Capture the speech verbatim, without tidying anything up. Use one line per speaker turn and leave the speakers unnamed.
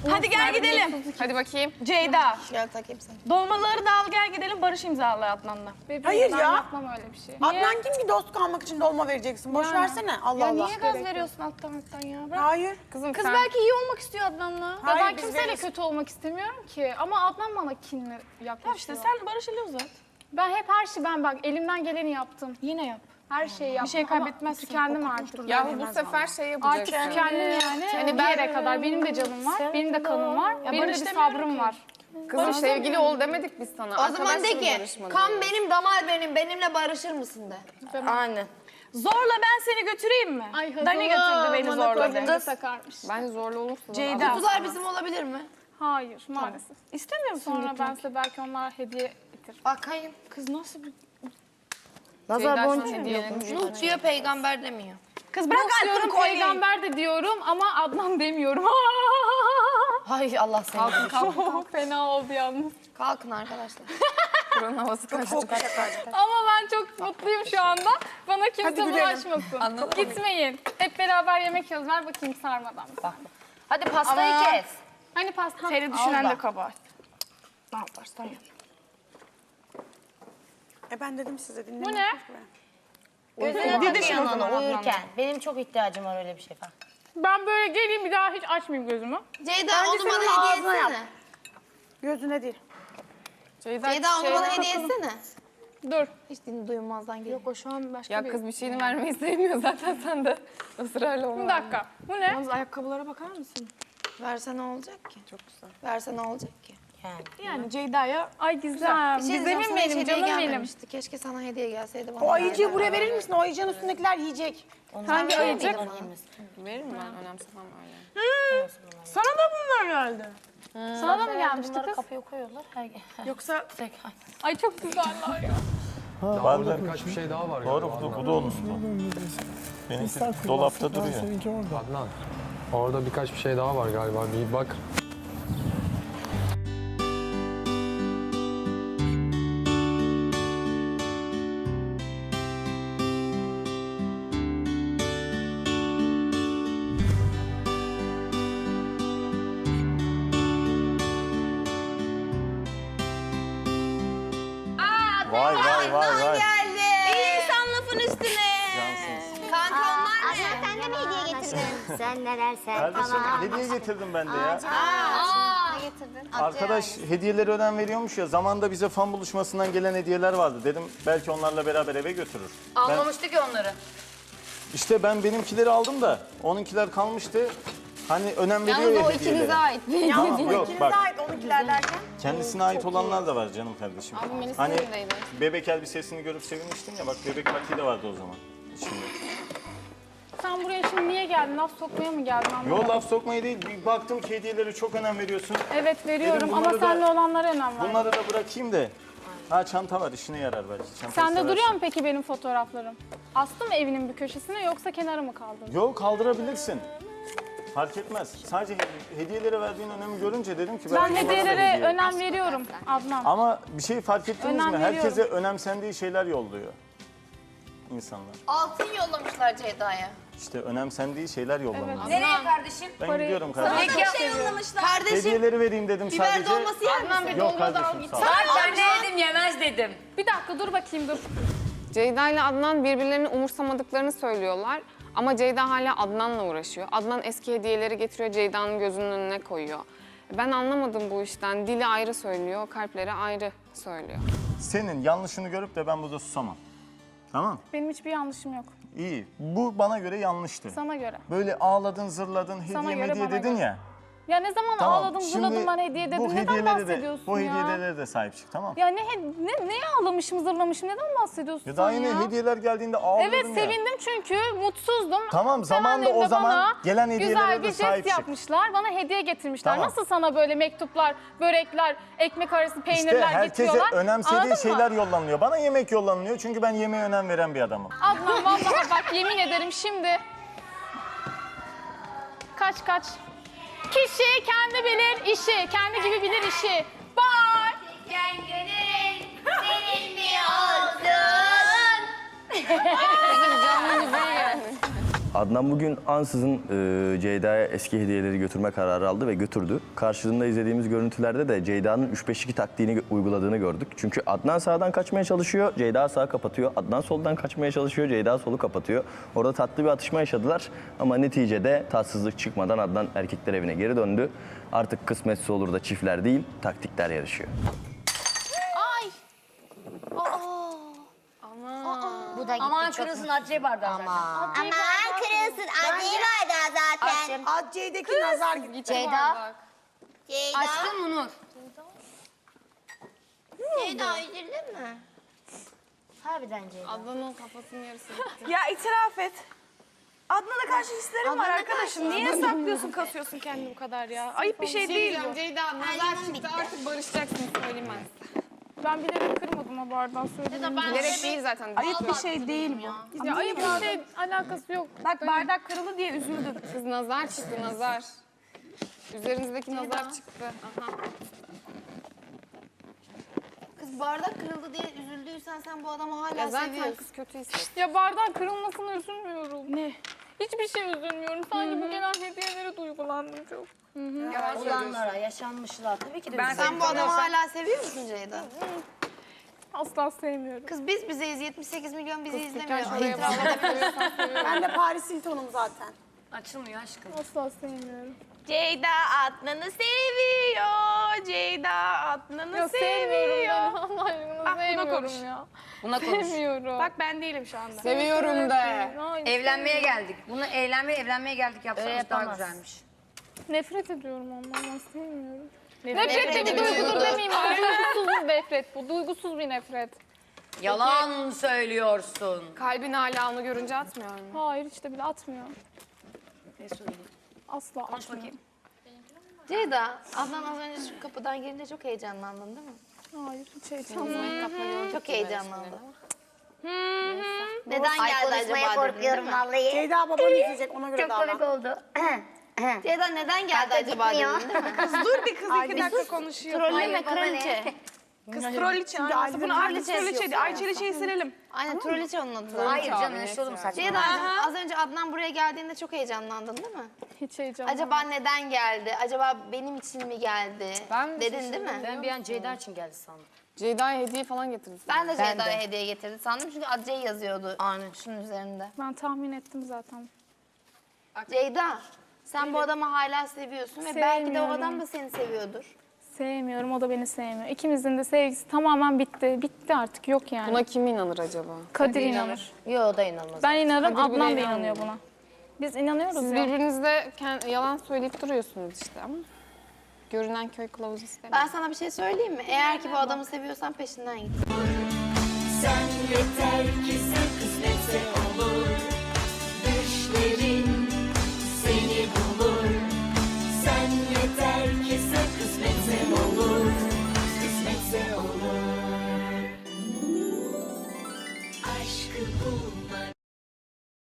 Hadi gel gidelim.
Hadi bakayım.
Ceyda.
Gel takayım seni.
Dolmaları da al gel gidelim. Barış imzalı Adnan'la.
Bebeğim,
Hayır
ben
ya.
yapmam öyle bir şey.
Adnan kim ki dost kalmak için dolma vereceksin? Boş versene. Allah
Ya
Allah.
niye gaz veriyorsun alttan alttan ya? Bırak.
Hayır.
Kızım
Kız
sen...
belki iyi olmak istiyor Adnan'la. Ya
Hayır,
ben
biz
kimseyle
veririz.
kötü olmak istemiyorum ki. Ama Adnan bana kinli yaklaşıyor.
Tamam işte sen Barış ile uzat.
Ben hep her şey ben bak elimden geleni yaptım.
Yine yap.
Her şeyi yaptım.
Bir şey kaybetmezsin.
Tükendim
Koku
artık.
kuştur.
Yahu bu sefer şey yapacaksın.
Artık tükendim yani.
Yani
Bir
ben-
yere kadar. Benim de canım var. Benim de kanım var. Benim de
Barış
bir
demiyorum
sabrım
ki.
var.
Kızım sevgili ol demedik biz sana.
O zaman de ki
barışmadı
kan
diye.
benim damar benim benimle barışır mısın de.
Aynen.
Zorla ben seni götüreyim mi?
Ay hızlı.
Dani götürdü beni zorla.
Kız
de.
takarmış.
Bence zorla olursa da
Ceyda.
Kutular bizim olabilir mi?
Hayır maalesef.
İstemiyor musun
Sonra
gitmek?
ben size belki onlar hediye getir.
Bakayım.
Kız nasıl bir...
Nazar
Ceyda
boncuğu
sana
mu
diyor. Nuh diyor peygamber demiyor.
Kız bırak altın
Diyorum
kolyeyi.
peygamber de diyorum ama Adnan demiyorum.
Hay Allah seni.
Kalkın kalkın.
Fena oldu yalnız.
Kalkın arkadaşlar.
Buranın havası kaçtı.
Ama ben çok mutluyum şu anda. Bana kimse bulaşmasın.
Anladın mı?
Gitmeyin. Hep beraber yemek yiyoruz. Ver bakayım sarmadan.
Hadi pastayı
Ama-
kes.
Hani pasta?
Seni düşünen
Al
de
da.
kabahat. Ne yaparsan yap.
E ben dedim size dinleyin.
Bu ne?
Gözüne
Dedi
takın
şimdi o zaman
yanına uyurken.
Adnan'la.
Benim çok ihtiyacım var öyle bir şey falan.
Ben böyle geleyim bir daha hiç açmayayım gözümü.
Ceyda
Bence
onu
senin
bana hediye
ağzına yap.
etsene.
Gözüne değil.
Ceyda,
Ceyda onu
şey-
bana hediye etsene.
Dur.
Hiç dinle duymazdan geliyor.
Yok o şu an başka
Ya
bir...
kız bir şeyini vermeyi sevmiyor zaten sen de. Israrla onu
Bir
ver.
dakika. Bu ne?
Yalnız ayakkabılara bakar mısın?
Verse ne olacak ki?
Çok güzel.
Verse ne olacak ki? Yani.
Yani Ceyda'ya...
Ay güzel.
Bir şey diyeceğim,
Güzelim
sana hiç
benim,
hediye
canım benim.
gelmemişti. Keşke sana hediye gelseydi bana.
O ayıcığı
verdi.
buraya verir misin? O ayıcığın üstündekiler yiyecek.
Hangi ayıcık?
Veririm ben önemsemem öyle.
Sana da bunlar geldi.
Sana da mı gelmişti
Bunları
kız?
kapıya koyuyorlar. Her...
Yoksa...
Ay çok güzeller ya.
Ha,
Var
orada
mı?
birkaç bir şey daha var.
Doğru,
galiba
bu,
Adnan.
bu da olmuş bu. Benimki
İster
dolapta
kullansın,
duruyor.
Seninki orada. Adnan, orada birkaç bir şey daha var galiba. Bir bak.
Vay vay vay vay.
İyi insan lafın üstüne.
Cansınız.
Kanka onlar ne?
Sen de mi hediye getirdin? Sen neler sen
Kardeşim
falan.
hediye getirdim ben de ya.
Aa, getirdin.
Arkadaş hediyeleri önem veriyormuş ya. Zamanında bize fan buluşmasından gelen hediyeler vardı. Dedim belki onlarla beraber eve götürür. Ben,
Almamıştı ki onları.
işte ben benimkileri aldım da onunkiler kalmıştı. Hani önem veriyor
Yalnız
ya
o
hediyelere.
ikinize ait.
Tamam, yok
İkinize
bak
ait onunkiler derken.
kendisine ait olanlar da var canım kardeşim.
Abi Melis'in
Hani
evindeydi.
bebek elbisesini görüp sevinmiştin ya bak bebek patiği de vardı o zaman. Şimdi.
Sen buraya şimdi niye geldin? Laf sokmaya mı geldin? Anlamadım.
Yo laf sokmayı değil. Bir baktım ki hediyelere çok önem veriyorsun.
Evet veriyorum
Dedim
ama
bunları da-
seninle olanlara önem ver.
Bunları da bırakayım da. Ha çanta var işine yarar belki. Çantayı
Sende
seversin.
duruyor mu peki benim fotoğraflarım? Astı mı evinin bir köşesine yoksa kenara mı kaldın?
Yok kaldırabilirsin. Fark etmez. Sadece he- hediyelere verdiğin önemi görünce dedim ki
Ben
belki bana da
hediyelere
hediye.
önem veriyorum Adnan.
Ama bir şey fark ettiniz
Önem
mi?
veriyorum.
Herkese önemsendiği şeyler yolluyor insanlar.
Altın yollamışlar Ceyda'ya.
İşte önemsendiği şeyler yollanıyor.
Nereye kardeşim?
Ben
Parayı-
gidiyorum kardeşim.
Peki şey yollamışlar. Kardeşim
Hediyeleri vereyim dedim
biber
sadece.
dolması yer misin?
bir
Yok
dolma da al
kardeşim
git.
sağ ol.
Ben ne yedim yemez dedim.
Bir dakika dur bakayım dur.
Ceyda ile Adnan birbirlerini umursamadıklarını söylüyorlar. Ama Ceyda hala Adnan'la uğraşıyor. Adnan eski hediyeleri getiriyor, Ceyda'nın gözünün önüne koyuyor. Ben anlamadım bu işten. Dili ayrı söylüyor, kalpleri ayrı söylüyor.
Senin yanlışını görüp de ben burada susamam. Tamam?
Benim hiçbir yanlışım yok.
İyi. Bu bana göre yanlıştı.
Sana göre.
Böyle ağladın, zırladın,
Sana
hediye
göre,
hediye
bana
dedin
göre.
ya.
Ya ne zaman
Tamam.
ağladım,
Şimdi
zırladım bana hediye
bu
dedin. Neden
hediyeleri de,
bahsediyorsun
bu
ya?
hediyelere de sahip çık tamam.
Ya ne, ne, ne ağlamışım, zırlamışım, neden bahsediyorsun
Ya daha
sen
yine
ya?
hediyeler geldiğinde ağlıyordun
Evet
ya.
sevindim çünkü mutsuzdum.
Tamam, zamanında
Sevenlerim
o
de
zaman
bana
gelen hediyelere
güzel
de
bir
sahip
jest
çık.
yapmışlar. Bana hediye getirmişler.
Tamam.
Nasıl sana böyle mektuplar, börekler, ekmek arası peynirler
İşte herkese
getiriyorlar?
önemsediği
Anladın
şeyler
mı?
yollanıyor. Bana yemek yollanıyor çünkü ben yemeğe önem veren bir adamım.
Adnan vallahi bak yemin ederim şimdi. Kaç kaç. Kişi kendi bilir işi, kendi gibi bilir işi. Bye.
Sen gönül senin mi olsun?
Kızım canlı müziği geldi.
Adnan bugün ansızın e, Ceyda'ya eski hediyeleri götürme kararı aldı ve götürdü. Karşılığında izlediğimiz görüntülerde de Ceyda'nın üç beş iki taktiğini gö- uyguladığını gördük. Çünkü Adnan sağdan kaçmaya çalışıyor, Ceyda sağa kapatıyor. Adnan soldan kaçmaya çalışıyor, Ceyda solu kapatıyor. Orada tatlı bir atışma yaşadılar ama neticede tatsızlık çıkmadan Adnan erkekler evine geri döndü. Artık kısmetse olur da çiftler değil, taktikler yarışıyor.
Bu da gitti
Aman
çok.
kırılsın Hatice bardağı zaten.
Aman kırılsın. Acıyı bardağı zaten.
Adce'deki nazar gitti.
Ceyda. Ceyda.
Aşkım Onur.
Ceyda üzüldün mü? Harbiden Ceyda.
Adnan'ın kafasının yarısı gitti.
Ya itiraf et. Adnan'a karşı hislerim var
Adnan'a
arkadaşım.
karşı.
Niye saklıyorsun, kasıyorsun kendini bu kadar ya? Ayıp bir şey değil
diyeceğim,
bu.
Ceyda
Her
nazar
yanım
çıktı
bitti.
artık barışacaksın söylemez.
Ben bilerek kırmadım o bardağı söyleyeyim.
Bilerek değil zaten.
Ayıp bir şey değil bu. Ya ayıp bir şey alakası yok. Bak bardak kırıldı diye üzüldüm.
Kız nazar çıktı nazar. Üzerinizdeki nazar çıktı. Aha.
Kız bardak kırıldı diye üzüldüysen sen bu adamı hala
Ya zaten
seviyorsun.
kız kötü hissetti.
Ya bardağın kırılmasına üzülmüyorum. Ne? Hiçbir şey üzülmüyorum. Sanki bu gelen hediyelere duygulandım çok.
Olanlara, yaşanmışlar. Tabii ki de
Ben sen bu adamı hala seviyor musun Ceyda?
Asla sevmiyorum.
Kız biz bizeyiz. yetmiş sekiz milyon bizi izlemiyor.
Gel şuraya
İtiraf
bak.
edebiliyorsan seviyorum.
Ben de Paris Hilton'um zaten.
açılmıyor aşkım.
Asla sevmiyorum.
Ceyda Adnan'ı seviyor. Ceyda Adnan'ı
Ya sevmiyorum
seviyor.
ben. Allah aşkına
Ah, buna
sevmiyorum
konuş.
ya.
Buna konuş.
Sevmiyorum. Bak ben değilim şu anda.
Seviyorum de.
Hayır,
Evlenmeye geldik. Bunu eğlenmeye evlenmeye geldik yapsanız daha güzelmiş.
Nefret ediyorum ondan. Ben sevmiyorum.
Nefret,
Nefret de bir
ediyorum.
duygudur demeyeyim. ama Duygusuz bir nefret bu. Duygusuz bir nefret.
Yalan söylüyorsun.
Kalbin hala onu görünce atmıyor mu?
Hayır hiç de bile atmıyor.
Ne söyleyeyim?
Asla
Konuş
atmıyor.
bakayım.
Ceyda, Adnan az önce şu kapıdan girince çok heyecanlandın değil mi?
Hayır hiç heyecanlanmadım.
Çok heyecanlandı. Neden
Ay
geldi
konuşmaya
acaba dedin, değil
korkuyorum
mi?
vallahi.
Ceyda baban izleyecek ona göre
Çok
davran.
komik oldu.
Ceyda neden geldi acaba
gitmiyor.
dedin değil mi?
Dur bir kız iki dakika konuşuyor.
Trolleme
baba ne?
kraliçe.
Kız trolliçe.
Çünkü
Anlasın. Bunu
Aylin'in
artık trolliçeydi. Ay çeliçeyi silelim.
Aynen trolliçe onun adı zaten.
Hayır canım
abi,
ne
net
oğlum
yani.
saçma.
Ceyda'cığım az önce Adnan buraya geldiğinde çok heyecanlandın değil mi?
Hiç heyecanlanmadım.
Acaba neden geldi? Acaba benim için mi geldi?
Ben de
Dedin değil mi?
Ben bir an Ceyda için geldi sandım.
Ceyda'ya hediye falan getirdi.
Ben de Ceyda'ya hediye getirdi sandım çünkü Adcey yazıyordu şunun üzerinde.
Ben tahmin ettim zaten.
Ceyda, sen bu adamı hala seviyorsun ve belki de o
Sevmiyorum.
adam da seni seviyordur.
Sevmiyorum, o da beni sevmiyor. İkimizin de sevgisi tamamen bitti. Bitti artık, yok yani.
Buna kim inanır acaba?
Kadir inanır.
Yok o da inanmaz.
Ben inanırım,
Kadir bile
Adnan da
inanmıyor.
inanıyor buna. Biz inanıyoruz
Siz
ya.
birbirinizde kend- yalan söyleyip duruyorsunuz işte ama. Görünen köy kılavuz istemiyor.
Ben sana bir şey söyleyeyim mi? Eğer ki bu adamı seviyorsan peşinden git.
Sen yeter ki sen